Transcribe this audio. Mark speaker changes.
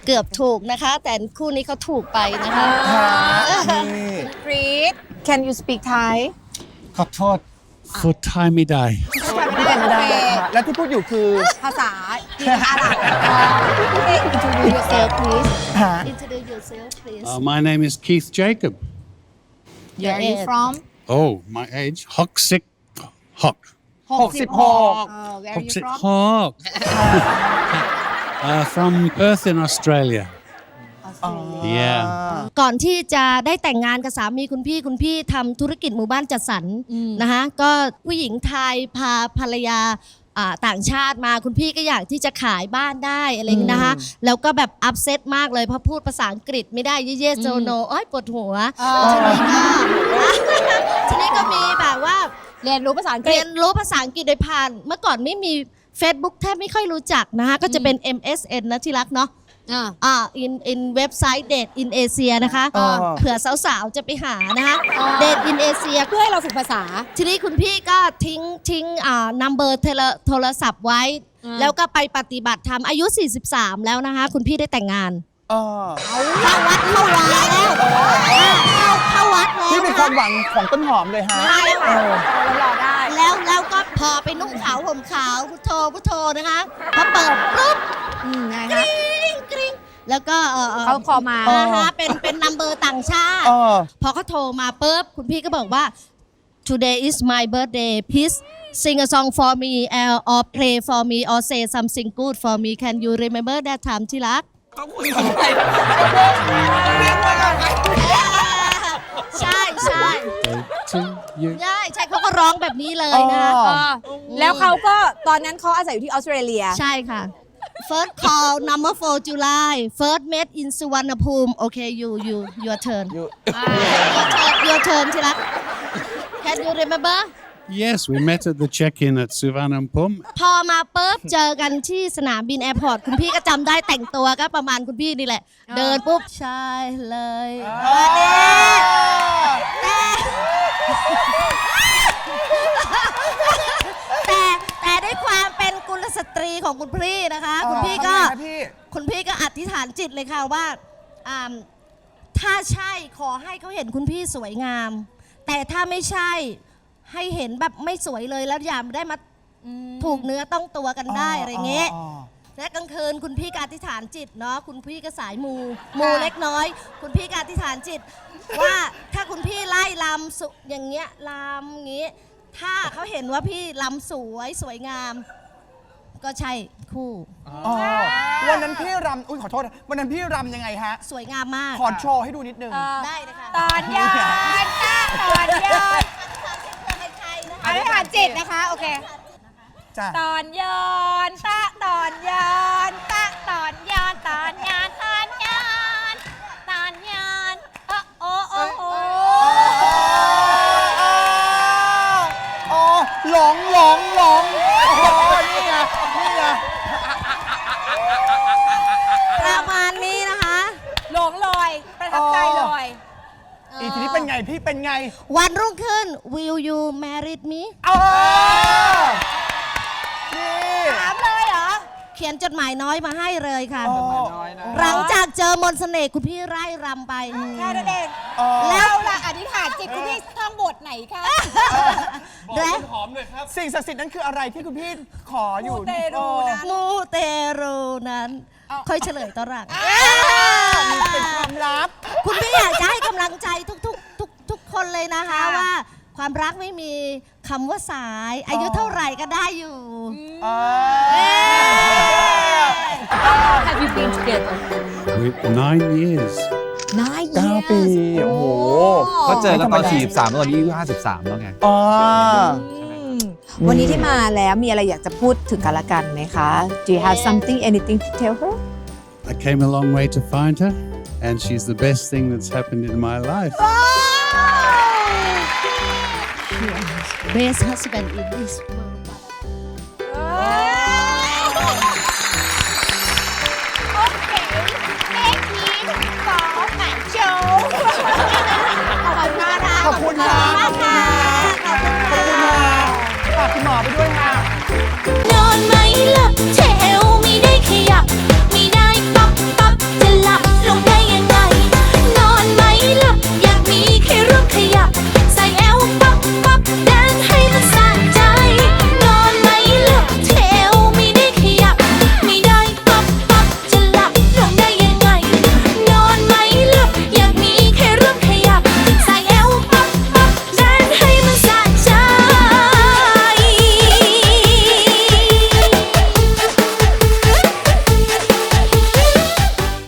Speaker 1: เกือบถูกนะคะ แต่คู่นี้เขาถูกไปนะคะ
Speaker 2: กรีด Can you speak Thai
Speaker 3: ขอโทษพูดไทยไม่ได้
Speaker 2: ไม่ได้
Speaker 4: แล้วที่พูดอยู่คือ
Speaker 2: ภาษาจีนอาหรับ
Speaker 1: Introduce yourself please
Speaker 4: ฮะ
Speaker 1: Introduce yourself please
Speaker 3: My name is Keith Jacob.
Speaker 2: Where are you from
Speaker 3: Oh, my age. Hoxic. Hock.
Speaker 4: 66
Speaker 2: Where are you
Speaker 3: Hoxic
Speaker 2: from
Speaker 3: Hawk. From Perth in Australia. Yeah.
Speaker 1: ก่อนที่จะได้แต่งงานกับสามีคุณพี่ทำธุรกิจหมู่บ้านจัดสรรนะคะก็ผู้หญิงไทยพาภรรยาต่างชาติมาคุณพี่ก็อยากที่จะขายบ้านได้อะไรอย่างนี้นะคะแล้วก็แบบอัพเซตมากเลยเพราะพูดภาษาอังกฤษไม่ได้เยสโซโนอ้อยปวดหัวทีนี้ก็มีแบบว่า
Speaker 2: เรียนรู้ภาษาอังกฤ
Speaker 1: เรี
Speaker 2: ษ
Speaker 1: ยนรู้ภาษาอังกฤษโดยผ่านเมื่อก่อนไม่มี Facebook แทบไม่ค่อยรู้จักนะคะก็จะเป็น MSN นะที่รักเนาะin เว็บไซต์ Date in Asia นะคะเผื่อสาวๆจะไปหานะคะ Date in Asia
Speaker 2: เพื่อให้เราฝึกภาษา
Speaker 1: ทีนี้คุณพี่ก็ทิ้งnumber โทรศัพท์ไว้ แล้วก็ไปปฏิบัติธรรมอายุ 43 แล้วนะคะคุณพี่ได้แต่งงานเข้าวัดแล้วเข้าวัดแล้ว
Speaker 4: ที่เป็นความหวังของต้นหอมเลยฮะ
Speaker 2: ได้ค่ะเรารอได้
Speaker 1: แล้วก็พอไปนุ่งขาวห่มขาวพุทโธนะคะพอเปิดปุ๊บ
Speaker 2: ไง
Speaker 1: ก
Speaker 2: คะ
Speaker 1: ริ๊งกริ๊งแล้วก็
Speaker 2: เขาคอมา
Speaker 1: นะคะเป็นนัมเบอร์ต่างชาติ พอเขาโทรมาปุ๊บคุณพี่ก็บอกว่า today is my birthday please sing a song for me or play for me or say something good for me can you remember that time ที่รักใช่ใช่
Speaker 3: To you.
Speaker 1: ใช่เขาก็ร้องแบบนี้เลยนะ
Speaker 2: แล้วเขาก็ตอนนั้นเขาอาศัยอยู่ที่ออสเตรเลีย
Speaker 1: ใช่ค่ะ first call number 4 July first met in Suvarnabhumi okay your turn your turn ที่รัก can you remember
Speaker 3: Yes, we met at the check-in at Suvarnabhumi.
Speaker 1: พอมาปุ๊บเจอกันที่สนามบินแอร์พอร์ตคุณพี่ก็จำได้แต่งตัวก็ประมาณคุณพี่นี่แหละ เดินปุ๊บใช่เลยแต่ด้วยความเป็นกุลสตรีของคุณพี่นะคะ คุณพี่ก็อธิษฐานจิตเลยค่ะว่าถ้าใช่ขอให้เขาเห็นคุณพี่สวยงาม แต่ถ้าไม่ใช่ให้เห็นแบบไม่สวยเลยแล้วอย่าได้มาถูกเนื้อต้องตัวกันได้อะไรเงี้ยและกลางคืนคุณพี่ก็อธิษฐานจิตเนาะคุณพี่ก็สายมูเล็กน้อย คุณพี่ก็อธิษฐานจิต ว่าถ้าคุณพี่ไล่ลำสุอย่างเงี้ยลำอย่างงี้ถ้าเขาเห็นว่าพี่ลำสวยงาม ก็ใช่คู่
Speaker 4: วันนั้นพี่รำขอโทษวันนั้นพี่รำยังไงฮะ
Speaker 1: สวยงามมาก
Speaker 4: ขอโชว์ให้ดูนิดนึง
Speaker 1: ได้เลยค่ะ
Speaker 2: ตอนย้อนตอนย้อนอธิษฐานจิตนะคะโอเค
Speaker 4: จ้ะ
Speaker 2: ตอนย้อนตอนย้อนตอนย้อนตอนย้อนตอนย้อนตอนย้อนโอ้
Speaker 4: หลงนี่ไง
Speaker 1: ประมาณนี้นะคะ
Speaker 2: หลงลอยประทับใจลอย
Speaker 4: อีทีนี้เป็นไงพี่เป็นไง
Speaker 1: วันรุ่งขึ้น will you marry me
Speaker 4: นี่
Speaker 2: ถามเลยเหรอ
Speaker 1: เขียนจดหมายน้อยมาให้เลยค่ะ หลังจากเจอมนต์เสน่ห์คุณพี่ไร่รำไป
Speaker 2: แค่นั้นเอง
Speaker 1: แล้ว
Speaker 2: เราล่ะอธิษฐานจิตคุณพี่ท่องบทไหนคะ
Speaker 1: และ
Speaker 4: สิ่งศักดิ์สิทธิ์นั้นคืออะไรที่คุณพี่ขออยู่
Speaker 2: มูเตรูนะ
Speaker 1: มูเตรูนั้น ค่อยเฉลยตอนหลัง
Speaker 4: เป็นความลับ
Speaker 1: คุณพี่อยากจะให้กำลังใจทุกคนเลยนะคะว่าความรักไม่มีคำว่าสาย อายุเท่าไหร่ก็ได้อยู่
Speaker 2: Have you been together
Speaker 3: With 9 years.
Speaker 4: 9 ปีโอ้โห
Speaker 5: ก็เจอกันตอน43แล้วตอนนี้อายุ53แล้วไง
Speaker 2: วันนี้ที่มาแล้วมีอะไรอยากจะพูดถึงกันละกันไหมคะ Do you have something anything to tell her
Speaker 3: I came a long way to find her, and she's the best thing that's happened in my life.
Speaker 1: Best husband in this world